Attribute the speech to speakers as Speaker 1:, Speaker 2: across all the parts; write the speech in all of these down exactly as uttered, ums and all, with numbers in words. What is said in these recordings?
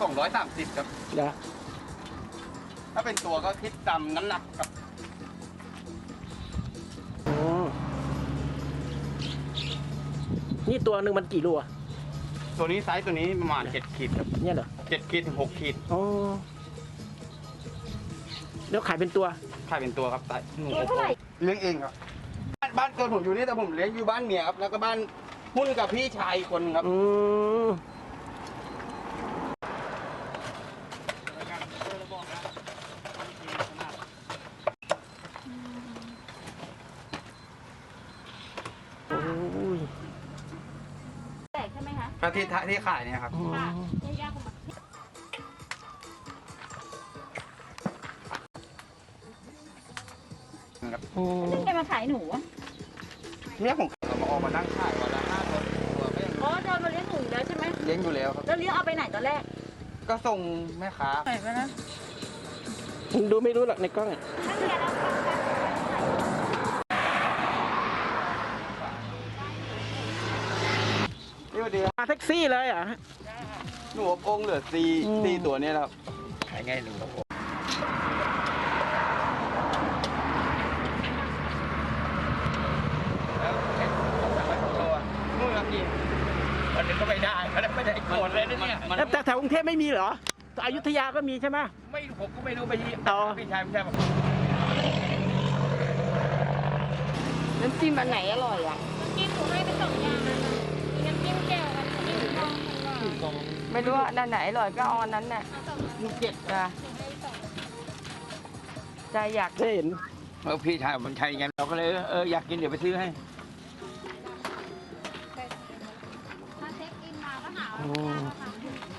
Speaker 1: องร้อยสามสิบครับ
Speaker 2: เดี๋ยว
Speaker 1: ถ้าเป็นตัวก็คิดตามน้ำหนักครับ
Speaker 2: อ๋อนี่ตัวหนึ่งมันกี่โลอะ
Speaker 1: ตัวนี้ไซส์ตัวนี้ประมาณเจ็ดขีดครับ
Speaker 2: เนี่ยเหรอ
Speaker 1: เจ็ดขีดถึงหกขีด
Speaker 2: อ๋อแล้วขายเป็นตัว
Speaker 1: ขายเป็นตัวครับไซส์
Speaker 3: ตัวเท่าไหร่
Speaker 1: เลี้ยงเองครับบ้านบ้านเกิดผมอยู่นี่แต่ผมเลี้ยงอยู่บ้านเมียครับแล้วก็บ้านหุ้นกับพี่ชายคนครับ
Speaker 2: อืมโอ้ย
Speaker 3: แตกใช่ไหมคะ
Speaker 1: ก็ที่ที่ขายเนี่ยครับ
Speaker 2: อ๋อ
Speaker 3: ค่ะไม่ยากกว่า
Speaker 1: นะครับ
Speaker 2: อืม
Speaker 3: ไม่ใครมาขายหนูอะ
Speaker 1: เนี่ยผมเรามาออกมานั่งขายวันละห้าตัวตัวก็ยัง
Speaker 3: อ๋อเดินมาเลี้ยงหนูแล้วใช่ไหม
Speaker 1: เลี้ยงอยู่แล้วครับ
Speaker 3: แล้วเลี้ยงเอาไปไหนตอนแรก
Speaker 1: ก็ส่งแม่ค้า
Speaker 3: ไหนไปนะ
Speaker 2: ดูไม่รู้หรอกในกล้องอ่ะ
Speaker 3: ถ้าเรียนแล้ว
Speaker 1: นี่วันเดียว
Speaker 2: มาแท็กซี่เลยเหรอ่ะ
Speaker 1: หนูอบองค์เหลือสี่
Speaker 2: อืม
Speaker 1: สี่ตัวเนี่ยครับขายไงหนูอบองแล้วเห็นผมสั่งไว้สองตัวนู่นครับพี่วันนี้ก็ไม่ได้ไม่ได้ไม่ได้โกรธเลยนะเนี่ยมัน
Speaker 2: แต่แถวกรุงเทพไม่มีเหรออยุธยาก็มีใช่ไหม
Speaker 1: ไม่ผมก็ไม่รู้ไปที่
Speaker 2: อ๋อ
Speaker 1: พี่ชายพี่ชายบอก
Speaker 4: น้ำจิ้มอันไหนอร่อยอ่ะ
Speaker 3: กินหนูให้ไปสองอย่างนะมีน้ำจิ้มแจ่วกับน้ำจิ้มทองของหวาน
Speaker 4: ไม่รู้ว่าอันไหนอร่อยก็เอาอันนั้นน่ะ
Speaker 3: เอาสองอย่าง
Speaker 4: มีเจ็ดจ้ะ
Speaker 3: หนูให้สอง
Speaker 4: ใจอยาก
Speaker 2: ได้เห็น
Speaker 1: เออพี่ชายมันใช่ไงเราก็เลยเอออยากกินเดี๋ยวไปซื้อให้
Speaker 3: ถ้าเช็คอินมาก็หา
Speaker 2: อื
Speaker 3: ว่าม อัน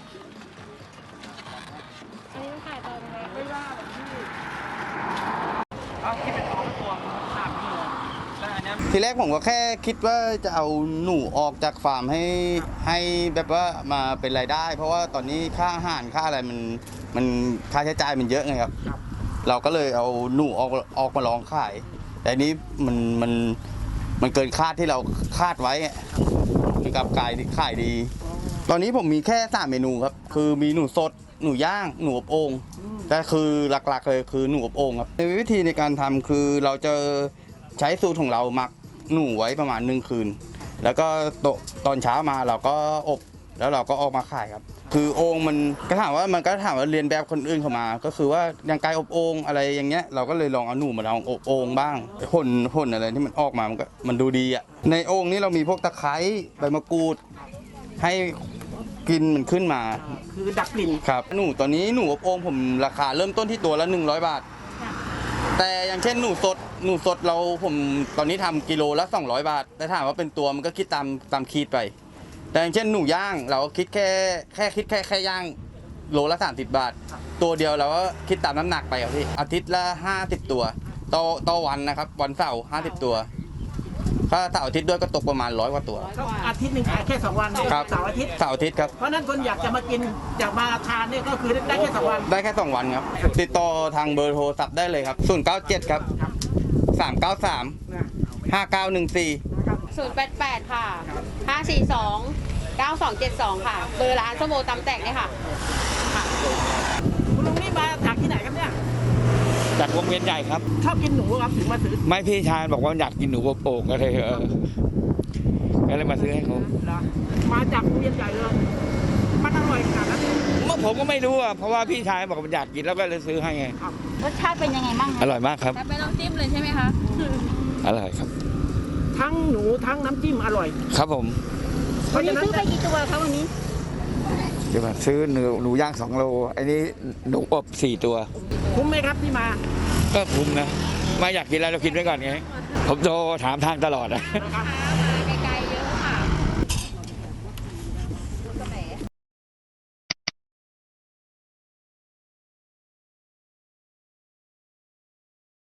Speaker 3: นี้ขายตอนไหนไม่ว่าหรอกพี่
Speaker 1: เอาคิดเป็นตัวตัวสามกิโลได้นะทีแรกผมก็แค่คิดว่าจะเอาหนูออกจากฟาร์มให้ให้แบบว่ามาเป็นรายได้ เพราะว่าตอนนี้ค่าอาหารค่าอะไรมันมันค่าใช้จ่ายมันเยอะไงครับ เราก็เลยเอาหนูออกออกมาลองขาย แต่นี้มันมันมันเกินคาดที่เราคาดไว้อะคือกลับกลายขายดี ตอนนี้ผมมีแค่สามเมนูครับ คือมีหนูสดหนูย่างหนูอบโอ่งแต่คือหลักๆเลยคือหนูอบโอ่งครับในวิธีในการทำคือเราจะใช้สูตรของเราหมักหนูไว้ประมาณหนึ่งคืน แล้วก็ตตอนเช้ามาเราก็อบแล้วเราก็ออกมาขายครับ คือโอ่งมันก็ถามว่ามันก็ถามว่าเรียนแบบคนอื่นเข้ามา ก็คือว่าอย่างไก่อบโอ่งอะไรอย่างเงี้ยเราก็เลยลองเอาหนูมาลองอบโอ่งบ้างผลผลอะไรที่มันออกมามันก็มันดูดีอ่ะในโอ่งนี้เรามีพวกตะไคร้ใบมะกรูดให้กลิ่นมันขึ้นมา
Speaker 2: คือดักกลิ่น
Speaker 1: ครับหนูตอนนี้หนูอบโอ่งผมราคาเริ่มต้นที่ตัวละหนึ่งร้อยบาท แต่อย่างเช่นหนูสดหนูสดเราผมตอนนี้ทำกิโลละสองร้อยบาทแต่ถามว่าเป็นตัวมันก็คิดตามตามขีดไป แต่อย่างเช่นหนูย่างเราก็คิดแค่แค่คิดแค่แค่ย่างโลละสามสิบบาท ตัวเดียวเราก็คิดตามน้ำหนักไปครับพี่อาทิตย์ละห้าสิบตัวต่อต่อวันนะครับวันเสาร์ห้าสิบตัวถ้าเสาร์อาทิตย์ด้วยก็ตกประมาณร้อยกว่าตัว
Speaker 2: ก็อาทิตย์หนึ่งขายแค่สองวัน
Speaker 1: ครับ
Speaker 2: เสาร์อาทิตย์
Speaker 1: เสาร์อาทิตย์ครับ
Speaker 2: เพราะฉะนั้นคนอยากจะมากินอยากมาทานเนี่ยก็คือได้แค่สองวัน
Speaker 1: ได้แค่สองวันครับติดต่อทางเบอร์โทรศัพท์ได้เลยครับศูนย์เก้าเจ็ดครับสามเก้าสามห้าเก้าหนึ่งสี่
Speaker 4: ศูนย์แปดแปดค่ะห้าสี่สองเก้าสองเจ็ดสองค่ะ เบอร์ร้านสโมตำแตกเนี่ยค่ะค่ะ
Speaker 2: คุณลุงนี่มาจากที่ไหนครับเนี่ย
Speaker 5: จากวงเวียนใหญ่ครับ
Speaker 2: ชอบกินหนูครับถึงมาซื้อ
Speaker 5: ไม่พี่ชายบอกว่าอยากกินหนูอบโอ่งก็เลยเออก็เลยมาซื้อให้เขา
Speaker 2: เหรอมาจากโรงเรียนใหญ่เลยมันอร่อยขนาดนั้น
Speaker 5: เมื่อผมก็ไม่รู้อ่ะเพราะว่าพี่ชายบอกว่าอยากกินแล้วก็เลยซื้อให้ไง
Speaker 3: รสชาติเป็นยังไงบ้าง
Speaker 5: อร่อยมากครับ
Speaker 3: ไม่ต้องจิ้มเลยใช่ไหมคะ
Speaker 5: อร่อยครับ
Speaker 2: ทั้งหนูทั้งน้ำจิ้มอร่อย
Speaker 5: ครับผม
Speaker 2: เพ
Speaker 3: วัน
Speaker 2: ราะ
Speaker 3: นี้
Speaker 2: ฉะนั้น
Speaker 3: ซื้อไปกี่ตัวคะวันนี้
Speaker 5: เดี๋ยวมาซื้อหนูหนูย่างสองโลอันนี้หนูอบสี่ตัว
Speaker 2: คุ้มไหมครับที่มา
Speaker 5: ก็คุ้มนะมาอยากกินอะไรเรากินไว้ก่อนไงผมโทรถามทางตลอดนะ
Speaker 2: นะครับ